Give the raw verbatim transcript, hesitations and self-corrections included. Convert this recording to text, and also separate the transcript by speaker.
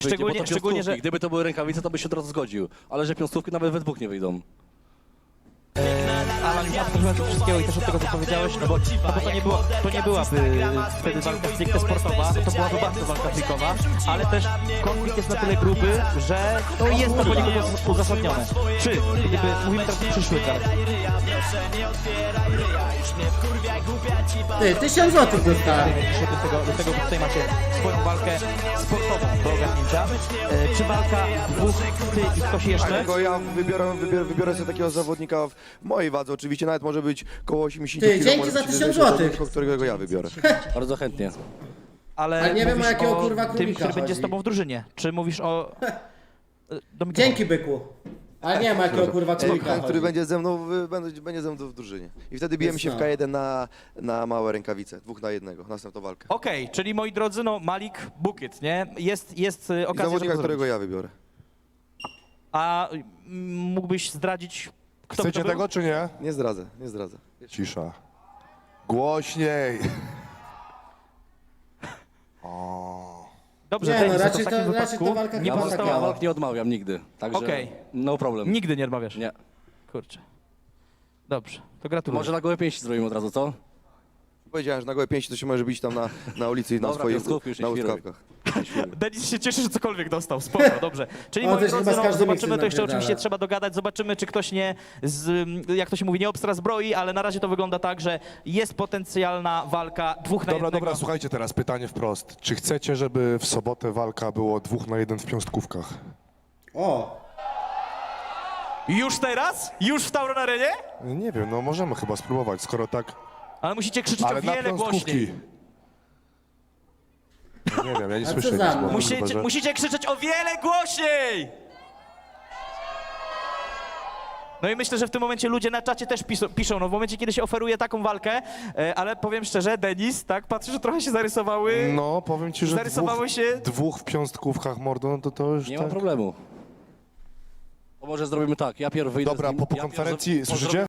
Speaker 1: Szczególnie,
Speaker 2: bo to
Speaker 1: szczególnie, że...
Speaker 2: Gdyby to były rękawice, to by się od razu zgodził. Ale że piąstówki nawet we dwóch nie wyjdą.
Speaker 1: Alan, ja podchodziłem do wszystkiego i też od tego, co powiedziałeś, no bo, no bo to, nie było, to nie byłaby wtedy walka stricte sportowa, to byłaby bardzo walka freakowa, ale też konflikt jest na tyle gruby, że to jest to poniekąd uzasadnione. Czy, gdyby, mówimy teraz o przyszłych galach,
Speaker 3: Ty, tysiąc złotych dostałem.
Speaker 1: do tego, do tego, bo tutaj macie swoją walkę sportową do ogarnięcia. E, czy walka dwóch, ty i ktoś jeszcze?
Speaker 4: Tylko ja wybiorę, wybiorę, wybiorę sobie takiego zawodnika w mojej wadze. Oczywiście nawet może być koło osiemdziesiąt
Speaker 3: Ty,
Speaker 4: kilo,
Speaker 3: dzięki
Speaker 4: może
Speaker 3: za
Speaker 4: być
Speaker 3: tysiąc
Speaker 4: wyżej,
Speaker 3: złotych.
Speaker 4: to którego ja wybiorę.
Speaker 2: Bardzo chętnie.
Speaker 1: Ale,
Speaker 3: Ale nie wiem,
Speaker 1: mówisz
Speaker 3: o jakiego,
Speaker 1: o
Speaker 3: kurwa,
Speaker 1: tym,
Speaker 3: królika
Speaker 1: który będzie z
Speaker 3: chodzi.
Speaker 1: tobą w drużynie. Czy mówisz o... Do mikrofonu.
Speaker 3: Dzięki, byku. Ale nie ma jakiego kurwa królika
Speaker 4: Ten, który
Speaker 3: chodzi.
Speaker 4: będzie ze mną, w- będzie, będzie ze mną w drużynie. I wtedy bijemy się w K jeden na, na małe rękawice. Dwóch na jednego. Następną walkę.
Speaker 1: Okej, czyli moi drodzy, no Malik Bukiet, nie? Jest, jest y,
Speaker 4: I
Speaker 1: okazja,
Speaker 4: zawodnika,
Speaker 1: żeby to
Speaker 4: którego
Speaker 1: zrobić.
Speaker 4: ja wybiorę.
Speaker 1: A mm, mógłbyś zdradzić, kto by
Speaker 5: Chcecie
Speaker 1: to był?
Speaker 5: tego czy nie?
Speaker 4: Nie zdradzę, nie zdradzę.
Speaker 5: Cisza. Głośniej.
Speaker 1: Dobrze,
Speaker 3: Nie,
Speaker 1: Denis,
Speaker 3: no,
Speaker 1: to
Speaker 3: raczej
Speaker 1: w takim
Speaker 3: to- raczej
Speaker 1: wypadku
Speaker 3: ta walka
Speaker 1: nie
Speaker 3: chyba
Speaker 2: Ja,
Speaker 1: pozostała...
Speaker 2: ja
Speaker 3: taka-
Speaker 2: walk nie odmawiam nigdy. Także
Speaker 1: Okej.
Speaker 2: no problem.
Speaker 1: Nigdy nie odmawiasz?
Speaker 2: Nie.
Speaker 1: Kurczę. Dobrze, to gratuluję.
Speaker 2: Może na gołe pięści zrobimy od razu, co?
Speaker 4: Powiedziałem, że na gołe pięści to się może bić tam na, na ulicy i na
Speaker 2: Dobra,
Speaker 4: swoich
Speaker 2: piąstówki już nie
Speaker 4: na
Speaker 2: świruj.
Speaker 4: łuskawkach.
Speaker 1: Denis się cieszy, że cokolwiek dostał, spoko, dobrze. Czyli
Speaker 3: O,
Speaker 1: moi
Speaker 3: też
Speaker 1: drodzy,
Speaker 3: chyba z
Speaker 1: no,
Speaker 3: każdym
Speaker 1: zobaczymy,
Speaker 3: miksem
Speaker 1: to jeszcze
Speaker 3: napierdala.
Speaker 1: oczywiście trzeba dogadać, zobaczymy, czy ktoś nie, z, jak to się mówi, nie obstra zbroi, ale na razie to wygląda tak, że jest potencjalna walka dwóch na
Speaker 5: Dobra,
Speaker 1: jednego.
Speaker 5: dobra, słuchajcie teraz, pytanie wprost. Czy chcecie, żeby w sobotę walka było dwóch na jeden w piąstkówkach?
Speaker 3: O,
Speaker 1: Już teraz? Już w Tauron Arenie?
Speaker 5: Nie wiem, no możemy chyba spróbować, skoro tak...
Speaker 1: Ale musicie krzyczeć
Speaker 5: Ale
Speaker 1: o
Speaker 5: na
Speaker 1: wiele
Speaker 5: piąstkówki.
Speaker 1: głośniej.
Speaker 5: No nie wiem, ja nie
Speaker 3: A co
Speaker 5: słyszę
Speaker 3: za
Speaker 5: nic,
Speaker 3: mną?
Speaker 5: bo
Speaker 1: Musicie,
Speaker 5: chyba, że...
Speaker 1: musicie krzyczeć o wiele głośniej! No i myślę, że w tym momencie ludzie na czacie też piszą, piszą no w momencie, kiedy się oferuje taką walkę, e, ale powiem szczerze, Denis, tak, patrzę, że trochę się zarysowały.
Speaker 5: No, powiem ci, że
Speaker 1: Zarysowały
Speaker 5: dwóch,
Speaker 1: się-
Speaker 5: dwóch w piąstkówkach, mordo, no to to już
Speaker 2: Nie
Speaker 5: tak...
Speaker 2: ma problemu. To może zrobimy tak, ja pierw wyjdę
Speaker 5: Dobra,
Speaker 2: z nim,
Speaker 5: po, po
Speaker 2: ja pierw
Speaker 5: konferencji,
Speaker 2: zro-
Speaker 5: słyszycie?